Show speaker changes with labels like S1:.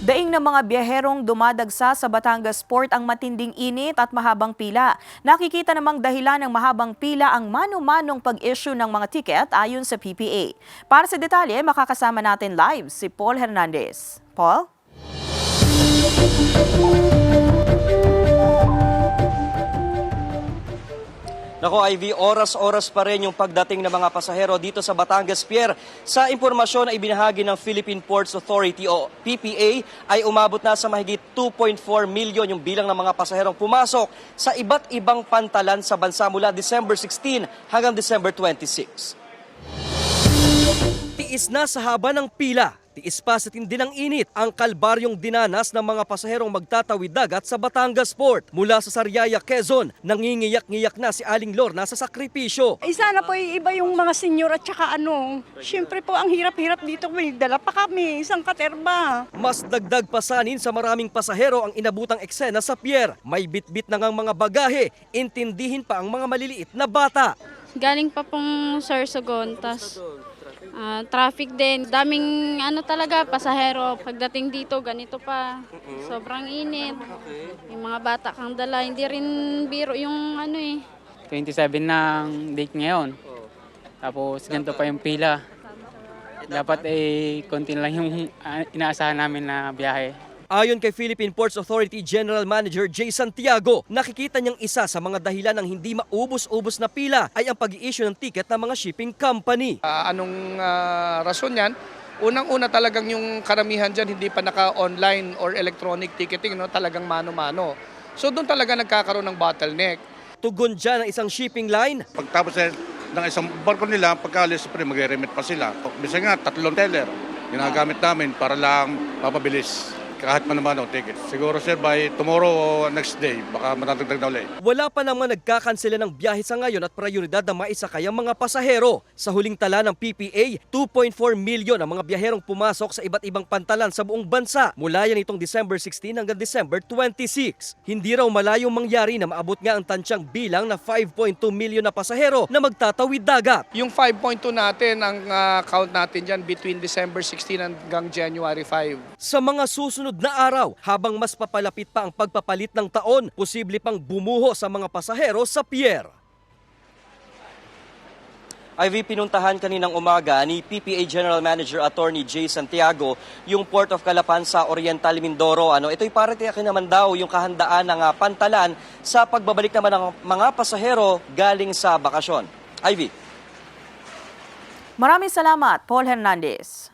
S1: Daing ng mga biyaherong dumadagsa sa Batangas Port ang matinding init at mahabang pila. Nakikita namang dahilan ng mahabang pila ang mano-manong pag-issue ng mga tiket ayon sa PPA. Para sa detalye, makakasama natin live si Paul Hernandez. Paul?
S2: Nako Ivy, oras-oras pa rin yung pagdating ng mga pasahero dito sa Batangas Pier. Sa impormasyon na ibinahagi ng Philippine Ports Authority o PPA ay umabot na sa mahigit 2.4 milyon yung bilang ng mga pasaherong pumasok sa iba't ibang pantalan sa bansa mula December 16 hanggang December 26. Tiis na sa haba ng pila. Tiis pa sa tindi ng init ang kalbaryong dinanas ng mga pasaherong magtatawid dagat sa Batangas Port. Mula sa Sariaya, Quezon, nangingiyak-ngiyak na si Aling Lorna sa sakripisyo.
S3: Sana po iba yung mga senyor at saka siyempre po ang hirap-hirap dito. May dala pa kami, isang katerba.
S2: Mas dagdag pasanin sa maraming pasahero ang inabutang eksena sa pier. May bitbit na ngang mga bagahe, intindihin pa ang mga maliliit na bata.
S4: Galing pa pong Sorsogon, tas traffic din. Daming talaga, pasahero. Pagdating dito, ganito pa. Sobrang init. Yung mga bata kang dala, hindi rin biro yung
S5: 27 ng date ngayon. Tapos ganito pa yung pila. Dapat konti lang yung inaasahan namin na biyahe.
S2: Ayon kay Philippine Ports Authority General Manager Jay Santiago, nakikita niyang isa sa mga dahilan ng hindi maubos-ubos na pila ay ang pag-i-issue ng ticket ng mga shipping company.
S6: Anong rason yan? Unang-una talagang yung karamihan dyan hindi pa naka-online or electronic ticketing, talagang mano-mano. So doon talaga nagkakaroon ng bottleneck.
S2: Tugon dyan ng isang shipping line.
S7: Pagtapos ng isang barko nila, pagkalis siyempre mag-remit pa sila. Bisa nga, 3 teller ginagamit namin para lang mapabilis. Kahit man ticket. Siguro sir, by tomorrow o next day, baka matatagdag na ulit.
S2: Wala pa naman nagkakansela ng biyahe sa ngayon at prioridad na maisakay ang mga pasahero. Sa huling tala ng PPA, 2.4 milyon ang mga biyaherong pumasok sa iba't ibang pantalan sa buong bansa mula yan itong December 16 hanggang December 26. Hindi raw malayong mangyari na maabot nga ang tansyang bilang na 5.2 milyon na pasahero na magtatawid dagat.
S6: Yung 5.2 natin, ang count natin dyan between December 16 hanggang January 5.
S2: Sa mga susunod na araw, habang mas papalapit pa ang pagpapalit ng taon, posible pang bumuho sa mga pasahero sa pier. Ivy, pinuntahan kaninang umaga ni PPA General Manager Attorney Jay Santiago yung Port of Calapan sa Oriental Mindoro. Ito'y para tiyakin naman daw yung kahandaan ng pantalan sa pagbabalik naman ng mga pasahero galing sa bakasyon. Ivy.
S1: Maraming salamat, Paul Hernandez.